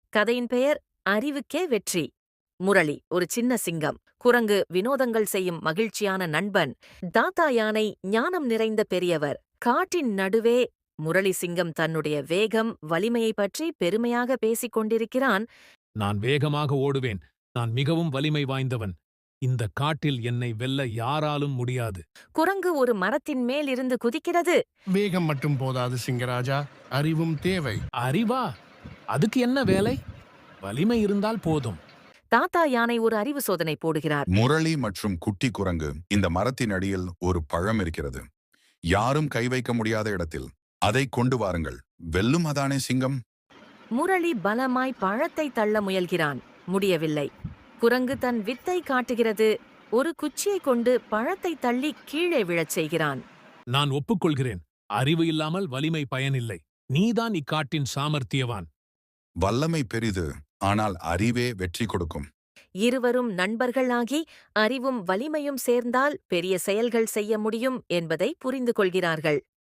கதையின் பெயர் அறிவுக்கே வெற்றி. முரளி ஒரு சின்ன சிங்கம். குரங்கு வினோதங்கள் செய்யும் மகிழ்ச்சியான நண்பன். தாத்தா யானை ஞானம் நிறைந்த பெரியவர். காட்டின் நடுவே முரளி சிங்கம் தன்னுடைய வேகம், வலிமையை பற்றி பெருமையாக பேசிக் கொண்டிருக்கிறான். நான் வேகமாக ஓடுவேன். நான் மிகவும் வலிமை வாய்ந்தவன். இந்த காட்டில் என்னை வெல்ல யாராலும் முடியாது. குரங்கு ஒரு மரத்தின் மேல் இருந்து குதிக்கிறது. வேகம் மட்டும் போதாது சிங்கராஜா, அறிவும் தேவை. அறிவா? அதுக்கு என்ன வேலை? வலிமை இருந்தால் போதும். தாத்தா யானை ஒரு அறிவு சோதனை போடுகிறார். முரளி மற்றும் குட்டி குரங்கு, இந்த மரத்தின் அடியில் ஒரு பழம் இருக்கிறது. யாரும் கை வைக்க முடியாத இடத்தில். அதை கொண்டு வாருங்கள். வெல்லும் அதானே சிங்கம். முரளி பலமாய் பழத்தை தள்ள முயல்கிறான். முடியவில்லை. குரங்கு தன் வித்தை காட்டுகிறது. ஒரு குச்சியை கொண்டு பழத்தை தள்ளி கீழே விழச் செய்கிறான். நான் ஒப்புக்கொள்கிறேன். அறிவு இல்லாமல் வலிமை பயனில்லை. நீதான் இக்காட்டின் சாமர்த்தியவான். வல்லமை பெரிது, ஆனால் அறிவே வெற்றி கொடுக்கும். இருவரும் நண்பர்களாகி அறிவும் வலிமையும் சேர்ந்தால் பெரிய செயல்கள் செய்ய முடியும் என்பதை புரிந்து கொள்கிறார்கள்.